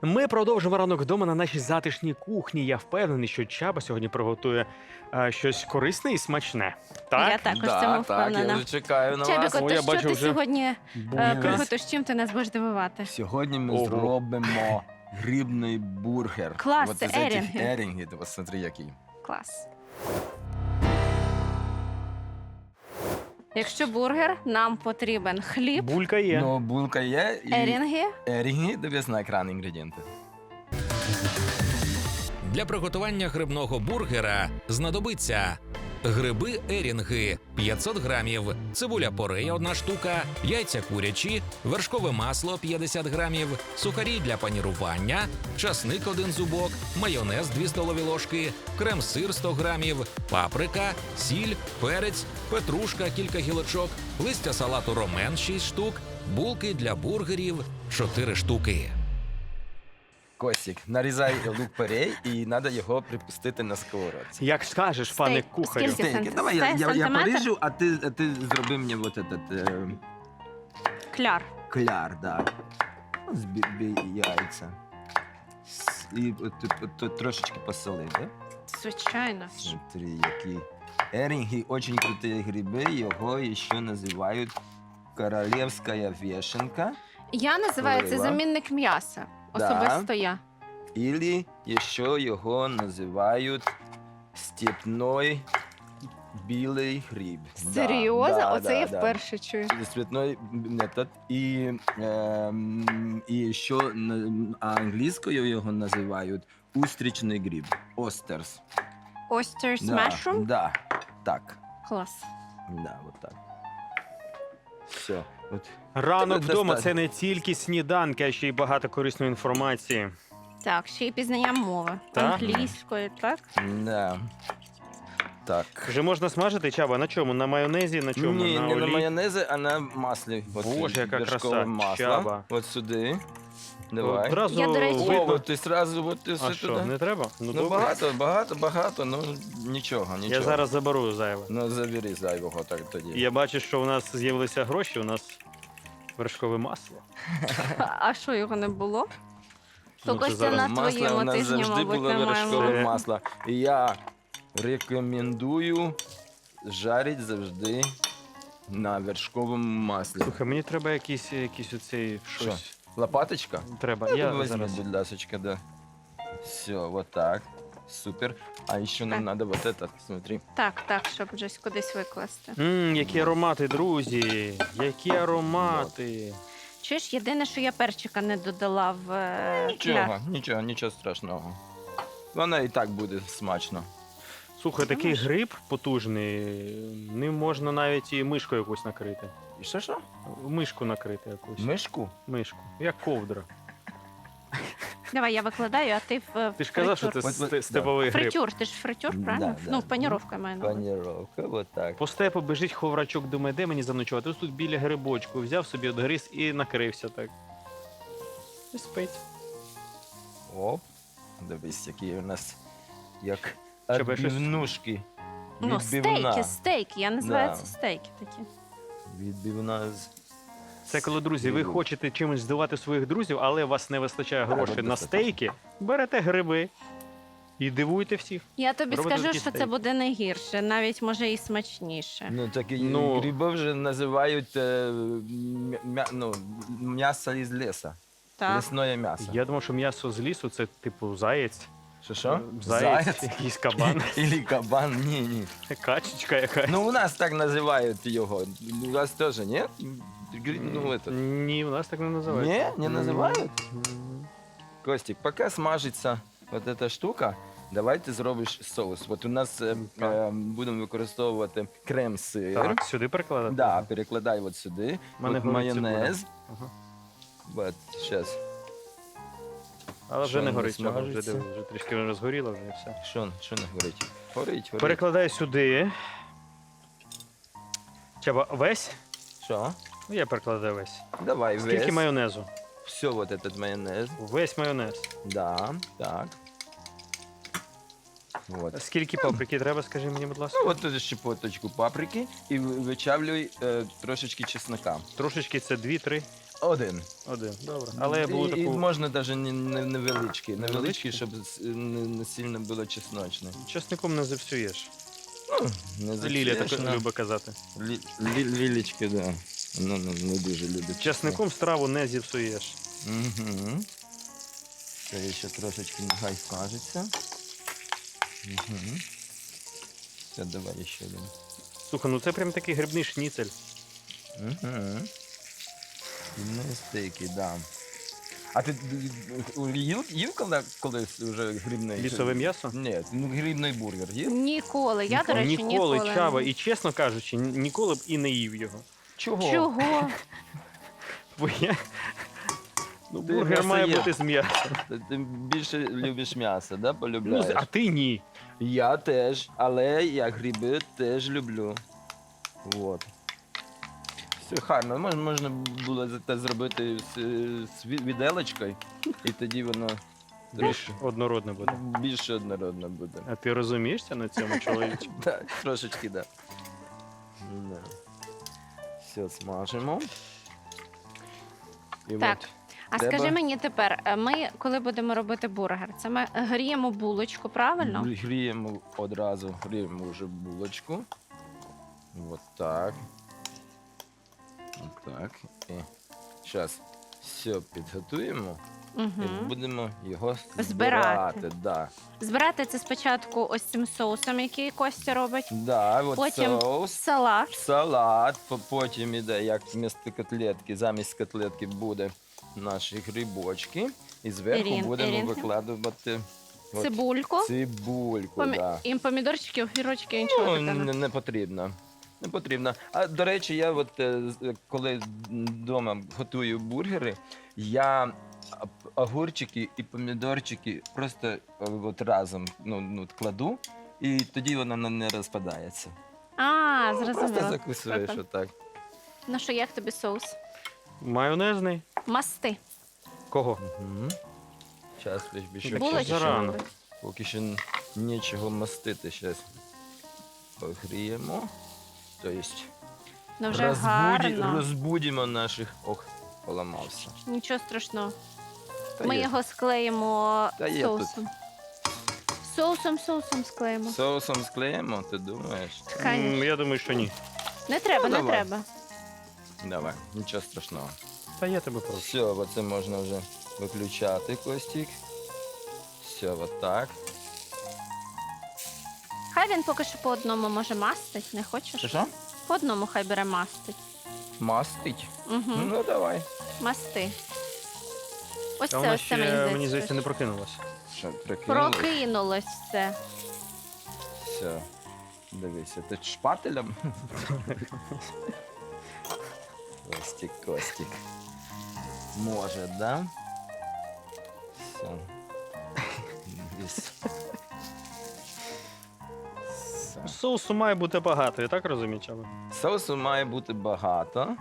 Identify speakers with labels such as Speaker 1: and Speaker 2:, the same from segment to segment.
Speaker 1: Ми продовжимо ранок вдома на нашій затишній кухні. Я впевнений, що Чаба сьогодні приготує щось корисне і смачне. Так?
Speaker 2: Я також в
Speaker 3: Да,
Speaker 2: цьому
Speaker 3: так, я
Speaker 2: впевнена.
Speaker 3: вже чекаю на
Speaker 2: Чебіко,
Speaker 3: вас.
Speaker 1: О,
Speaker 2: то
Speaker 1: я
Speaker 2: що
Speaker 1: бачу
Speaker 2: ти
Speaker 1: вже
Speaker 2: сьогодні
Speaker 1: Булькає.
Speaker 2: приготуєш? Чим ти нас будеш дивувати?
Speaker 3: Сьогодні ми
Speaker 1: Ого.
Speaker 3: зробимо грибний бургер.
Speaker 2: Клас,
Speaker 3: Вот
Speaker 2: це
Speaker 3: из этих
Speaker 2: ерінги.
Speaker 3: ерінги, ти посмотри, який.
Speaker 2: Клас. Якщо бургер, нам потрібен хліб,
Speaker 1: Булька є.
Speaker 3: Ну, булка є і
Speaker 2: ерінги.
Speaker 3: ерінги, дивись на екран інгредієнти.
Speaker 4: Для приготування грибного бургера знадобиться гриби ерінги 500 грамів, цибуля порея 1 штука, яйця курячі, вершкове масло 50 грамів, сухарі для панірування, часник 1 зубок, майонез 2 столові ложки, крем-сир 100 грамів, паприка, сіль, перець, петрушка кілька гілочок, листя салату ромен 6 штук, булки для бургерів 4 штуки.
Speaker 3: Костік, нарізай лук-порей і треба його припустити на сковородці.
Speaker 1: Як скажеш, пане
Speaker 2: Стейк.
Speaker 1: кухарю.
Speaker 2: Скільки?
Speaker 3: Стейки. Давай, я
Speaker 2: Сантиметр?
Speaker 3: поріжу, а ти зроби мені вот этот
Speaker 2: Кляр.
Speaker 3: кляр, да. Збій яйця. І от трошечки посоли, да?
Speaker 2: Звичайно.
Speaker 3: Смотри, які. Ерінги дуже круті гриби, його ще називають королівська вішенка.
Speaker 2: Я називаю це
Speaker 3: Олива.
Speaker 2: замінник м'яса.
Speaker 3: Да.
Speaker 2: Особисто я.
Speaker 3: Ілі ще його називають степной білий гриб.
Speaker 2: Серйозно?
Speaker 3: Да,
Speaker 2: Оце
Speaker 3: да,
Speaker 2: я
Speaker 3: да.
Speaker 2: вперше чую.
Speaker 3: Цветной метод. І ще англійською його називають устрічний гриб. Остерс.
Speaker 2: Oysters
Speaker 3: Да,
Speaker 2: mushroom?
Speaker 3: да, так.
Speaker 2: Клас.
Speaker 3: Да, вот так. Все. От.
Speaker 1: Ранок
Speaker 3: Тебе
Speaker 1: вдома
Speaker 3: достатньо.
Speaker 1: це не тільки сніданки, а ще й багато корисної інформації.
Speaker 2: Так, ще й пізнання мови.
Speaker 1: Так.
Speaker 2: Англійської, так?
Speaker 3: Да. Так.
Speaker 1: Вже можна смажити, Чаба, на чому? На майонезі, на чому?
Speaker 3: Ні,
Speaker 1: на
Speaker 3: не на
Speaker 1: олії?
Speaker 3: майонезі, а на маслі. От
Speaker 1: Боже, яка
Speaker 3: вершкове
Speaker 1: краса.
Speaker 3: масло.
Speaker 1: Чаба.
Speaker 3: От сюди. Давай.
Speaker 1: Одразу
Speaker 2: Я, до речі-
Speaker 3: О,
Speaker 1: видно.
Speaker 3: от ти сразу, от ти
Speaker 1: А
Speaker 3: все
Speaker 1: що,
Speaker 3: туди.
Speaker 1: не треба?
Speaker 3: Ну,
Speaker 1: добре.
Speaker 3: багато, ну нічого.
Speaker 1: Я зараз заберу зайве.
Speaker 3: Ну, забери зайвого так тоді.
Speaker 1: Я бачу, що у нас з'явилися гроші, у нас вершкове масло.
Speaker 2: А що, його не було? То
Speaker 1: Ну, це
Speaker 2: Костя
Speaker 1: зараз
Speaker 2: на
Speaker 3: Масло у
Speaker 2: твоєму
Speaker 3: нас
Speaker 2: тижні,
Speaker 3: завжди
Speaker 2: мабуть,
Speaker 3: було
Speaker 2: немає
Speaker 3: вершкове
Speaker 2: мови.
Speaker 3: масло. І я рекомендую жарити завжди на вершковому маслі.
Speaker 1: Слухай, мені треба якийсь оцей щось.
Speaker 3: Лопаточка?
Speaker 1: Треба.
Speaker 3: Я
Speaker 1: Я
Speaker 3: возьму,
Speaker 1: зараз.
Speaker 3: будь ласочка, да. Все, вот так. Супер. А еще нам надо вот этот, смотри.
Speaker 2: Так, щоб вже кудись викласти.
Speaker 1: Які аромати, друзі! Які аромати!
Speaker 2: Чуєш, єдине, що я перчика не додала в кляр.
Speaker 3: Нічого страшного. Воно і так буде смачно.
Speaker 1: Слухай, такий
Speaker 2: Думаєш?
Speaker 1: гриб потужний, ним можна навіть і мишку якусь накрити.
Speaker 3: І що?
Speaker 1: Мишку накрити якусь.
Speaker 3: Мишку?
Speaker 1: Мишку. Як ковдра.
Speaker 2: Давай, я викладаю, а ти в
Speaker 1: Ти ж казав, що це
Speaker 3: От, да.
Speaker 1: степовий гриб.
Speaker 2: фритюр. Ти ж фритюр,
Speaker 3: Да,
Speaker 2: правильно?
Speaker 3: да.
Speaker 2: Ну, паніровка маю на увазі.
Speaker 3: Паніровка, вот так.
Speaker 1: По степу біжить ховрачок, думає, де мені заночувати? Ось тут біля грибочку. Взяв собі одгриз і накрився так. І спить.
Speaker 3: Оп. Дивись, які у нас як
Speaker 1: Щоб щось-
Speaker 3: відбивнушки.
Speaker 2: Ну,
Speaker 3: Відбивна.
Speaker 2: стейки. Я називаю
Speaker 3: Да.
Speaker 2: це стейки такі.
Speaker 3: Відбивна з...
Speaker 1: Це коли, друзі, ви
Speaker 3: Сиру.
Speaker 1: хочете чимось здивувати своїх друзів, але у вас не вистачає грошей
Speaker 3: от
Speaker 1: на
Speaker 3: достатньо.
Speaker 1: стейки, берете гриби і дивуйте всіх.
Speaker 2: Я тобі
Speaker 1: Робити
Speaker 2: скажу,
Speaker 1: такі
Speaker 2: що це
Speaker 1: стейки.
Speaker 2: буде не гірше, навіть може і смачніше.
Speaker 3: Ну, такі
Speaker 1: Ну.
Speaker 3: гриби вже називають м'ясо із лісу.
Speaker 2: Так.
Speaker 3: Лісне м'ясо.
Speaker 1: Я думав, що м'ясо з лісу це типу заєць.
Speaker 3: Що?
Speaker 1: Заєць, якийсь кабан,
Speaker 3: Ілі кабан? Ні.
Speaker 1: качечка якась.
Speaker 3: Ну, у нас так називають його. У вас теж, ні? Ну, этот.
Speaker 1: Ні, у нас так не називають.
Speaker 3: Не називають?
Speaker 1: М.
Speaker 3: Костік, поки смажиться от ця штука, давай ти зробиш соус. От у нас будемо використовувати крем-сир.
Speaker 1: Так, сюди перекладати?
Speaker 3: Да, перекладай от сюди.
Speaker 1: В мене
Speaker 3: От
Speaker 1: горить
Speaker 3: майонез.
Speaker 1: Ага.
Speaker 3: От, зараз.
Speaker 1: Але вже
Speaker 3: Що
Speaker 1: не
Speaker 3: не
Speaker 1: горить, Чаба, вже
Speaker 3: смажиться?
Speaker 1: диви, вже трішки розгоріло вже і все.
Speaker 3: Що не горить? Горить.
Speaker 1: Перекладаю сюди. Чаба, весь?
Speaker 3: Що?
Speaker 1: Ну, я перекладаю весь.
Speaker 3: Давай
Speaker 1: Скільки
Speaker 3: весь.
Speaker 1: майонезу?
Speaker 3: Все вот этот майонез.
Speaker 1: Весь майонез.
Speaker 3: Да, так. Вот.
Speaker 1: Скільки паприки треба, скажи мені, будь ласка?
Speaker 3: Ну, от тут щепоточку паприки і вичавлюй трошечки чеснока.
Speaker 1: Трошечки це 2-3.
Speaker 3: Один.
Speaker 1: Один, добре. Але я буду
Speaker 3: І
Speaker 1: таку
Speaker 3: можна навіть невеличкий.
Speaker 1: Невеличкий?
Speaker 3: Невеличкий, щоб не сильно було чесночне.
Speaker 1: часником не завсюєш.
Speaker 3: Не
Speaker 1: Лілія так
Speaker 3: запсуєш,
Speaker 1: любить казати.
Speaker 3: Лілічки, да. Ну, не дуже любить.
Speaker 1: Часником страву не зіпсуєш.
Speaker 3: Угу. Це ще трошечки нехай смажиться. Угу. Все, давай ще один.
Speaker 1: Слухай, ну це прям такий грибний шніцель.
Speaker 3: Угу. Стейки, да. А ти їв колись вже грибний?
Speaker 1: Лісове м'ясо?
Speaker 3: Ні, грибний бургер їв?
Speaker 2: Ніколи. Я, до речі,
Speaker 1: Ніколи,
Speaker 2: ніколи.
Speaker 1: Чаба, і чесно кажучи, ніколи б і не їв його.
Speaker 3: Чого?
Speaker 2: Чого?
Speaker 1: Бо я... Ну,
Speaker 3: Ти
Speaker 1: бургер має
Speaker 3: м'ясоєд.
Speaker 1: бути з м'ясом.
Speaker 3: Ти більше любиш м'ясо, да?
Speaker 1: Ну,
Speaker 3: Полюбляєш?
Speaker 1: а ти ні.
Speaker 3: Я теж, але я гриби теж люблю. Вот. Все гарно. Можна було це зробити з віделочкою, і тоді воно
Speaker 1: Більш однородне буде.
Speaker 3: більше однородно буде.
Speaker 1: А ти розумієшся на цьому, чоловіче?
Speaker 3: Так, трошечки, так. Да. Все, смажимо. І
Speaker 2: Так.
Speaker 3: от
Speaker 2: А
Speaker 3: Треба?
Speaker 2: скажи мені тепер, ми, коли будемо робити бургер, це ми гріємо булочку, правильно?
Speaker 3: гріємо вже булочку. Вот так. Вот так. І зараз все підготуємо і
Speaker 2: Угу.
Speaker 3: будемо його
Speaker 2: Збирати.
Speaker 3: збирати. Да.
Speaker 2: Збирати це спочатку ось цим соусом, який Костя робить.
Speaker 3: Да, от
Speaker 2: Потім
Speaker 3: соус,
Speaker 2: салат.
Speaker 3: салат, потім іде, як замість котлетки буде наші грибочки. І зверху будемо
Speaker 2: Ерінги.
Speaker 3: викладувати от
Speaker 2: Цибульку.
Speaker 3: цибульку. Да.
Speaker 2: І помідорчики, огірочки, нічого
Speaker 3: Ну,
Speaker 2: такого.
Speaker 3: не потрібно. Не потрібно. А до речі, я от коли вдома готую бургери, я огурчики і помідорчики просто от разом кладу, і тоді воно не розпадається.
Speaker 2: А,
Speaker 3: Просто
Speaker 2: зрозуміло.
Speaker 3: закусуєш
Speaker 2: Круто.
Speaker 3: отак.
Speaker 2: Ну що, як тобі соус?
Speaker 1: Майонезний.
Speaker 2: Масти.
Speaker 1: Кого?
Speaker 3: Угу. Час більше
Speaker 2: Булочки
Speaker 1: зарано.
Speaker 2: робить.
Speaker 3: поки що нічого мастити. Зараз погріємо. Тобто
Speaker 2: Ну вже гарно.
Speaker 3: розбудимо наших... Ох, поламався.
Speaker 2: Нічого страшного.
Speaker 3: Та
Speaker 2: Ми
Speaker 3: є.
Speaker 2: його склеїмо
Speaker 3: Та є
Speaker 2: соусом. Соусом склеїмо.
Speaker 3: Соусом склеїмо, ти думаєш?
Speaker 2: Конечно.
Speaker 1: Я думаю, що ні.
Speaker 2: Не треба,
Speaker 3: Ну,
Speaker 2: не
Speaker 3: давай.
Speaker 2: треба.
Speaker 3: Давай, нічого страшного.
Speaker 1: Та я тебе прошу.
Speaker 3: Все, оце можна вже виключати, Костік. Все, отак.
Speaker 2: Хай він поки що по одному може мастить, не хочеш?
Speaker 3: Що?
Speaker 2: По одному хай бере мастить.
Speaker 3: Мастить?
Speaker 2: Угу.
Speaker 3: Ну, давай.
Speaker 2: Масти. Ось
Speaker 1: Та
Speaker 2: це,
Speaker 1: вона
Speaker 2: ось це мені
Speaker 1: ще,
Speaker 2: здається.
Speaker 1: мені здається, не прокинулася.
Speaker 3: Що, прикинули?
Speaker 2: Прокинулось все.
Speaker 3: Все. Дивися, ти шпателем? Костік. Може, да? Все. Десь. Все.
Speaker 1: Соусу має бути багато, я так розумію, Чаба?
Speaker 3: Соусу має бути багато.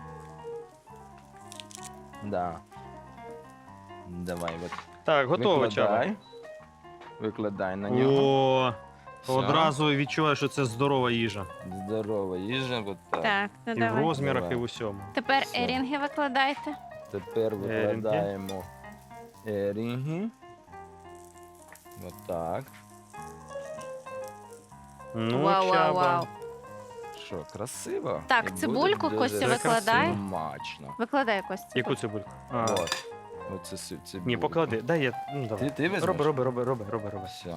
Speaker 3: Да. Давай, от.
Speaker 1: Так, готово, Чаба.
Speaker 3: Викладай на нього.
Speaker 1: О,
Speaker 3: Все.
Speaker 1: одразу відчуваю, що це здорова їжа.
Speaker 3: Здорова їжа, от так.
Speaker 2: Так, ну
Speaker 1: І в
Speaker 2: давай.
Speaker 1: розмірах,
Speaker 3: Давай.
Speaker 1: і в усьому.
Speaker 2: Тепер
Speaker 3: Все.
Speaker 2: ерінги викладайте.
Speaker 3: Тепер викладаємо ерінги. Отак.
Speaker 1: Ну,
Speaker 2: Вау,
Speaker 1: Чаба.
Speaker 2: вау, вау.
Speaker 3: Що, красиво?
Speaker 2: Так,
Speaker 3: І буде
Speaker 2: цибульку
Speaker 3: дуже
Speaker 2: Костя
Speaker 1: викладає.
Speaker 3: Смачно.
Speaker 2: Викладай, Костя.
Speaker 1: Яку цибульку? А,
Speaker 3: От. Оце цибульку.
Speaker 1: ні, поклади. Дай я. Ну, давай.
Speaker 3: Ти візьмеш?
Speaker 1: Роби.
Speaker 3: Все.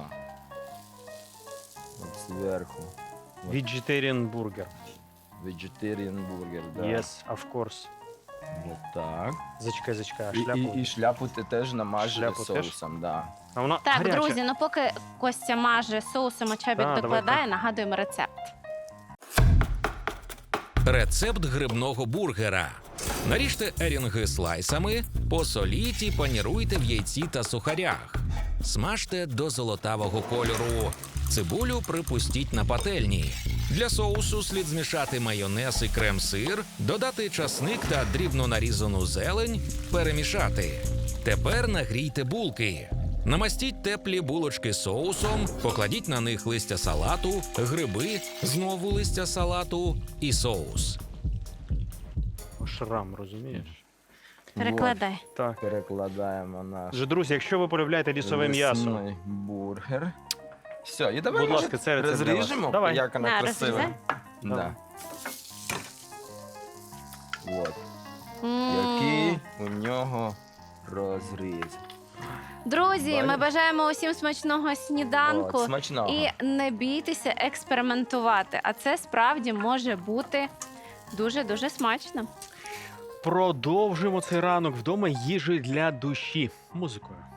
Speaker 3: От зверху. От.
Speaker 1: Vegetarian burger.
Speaker 3: Vegetarian бургер, да.
Speaker 1: Yes, of course.
Speaker 3: От так.
Speaker 1: Зачекай, а
Speaker 3: І,
Speaker 1: шляпу.
Speaker 3: і шляпу ти теж намажеш
Speaker 1: Шляпу теж?
Speaker 3: соусом, да.
Speaker 1: А вона
Speaker 2: Так,
Speaker 1: гаряча.
Speaker 2: друзі, ну поки Костя маже соусом, а Чабік
Speaker 1: Так,
Speaker 2: докладає, нагадуємо рецепт.
Speaker 4: Рецепт грибного бургера. Наріжте ерінги слайсами, посоліть і паніруйте в яйці та сухарях. Смажте до золотавого кольору. Цибулю припустіть на пательні. Для соусу слід змішати майонез і крем-сир, додати часник та дрібно нарізану зелень, перемішати. Тепер нагрійте булки. Намастіть теплі булочки соусом, покладіть на них листя салату, гриби, знову листя салату і соус.
Speaker 1: Шрам, розумієш?
Speaker 2: Перекладай.
Speaker 1: Так.
Speaker 3: Перекладаємо наш
Speaker 1: Отже, друзі, якщо ви полюбляєте лісове м'ясо,
Speaker 3: лісний бургер. Все, і давай
Speaker 1: Будь
Speaker 3: може,
Speaker 1: ласка, це рецепт для вас.
Speaker 3: розріжемо,
Speaker 1: Давай.
Speaker 3: як вона
Speaker 2: На,
Speaker 3: красива.
Speaker 2: розрізай.
Speaker 3: Да. От,
Speaker 2: М.
Speaker 3: який у нього розріз.
Speaker 2: Друзі,
Speaker 3: Далі.
Speaker 2: ми бажаємо усім смачного сніданку.
Speaker 3: От, смачного.
Speaker 2: І не бійтеся експериментувати. А це справді може бути дуже-дуже смачно.
Speaker 1: продовжимо цей ранок вдома їжею для душі музикою.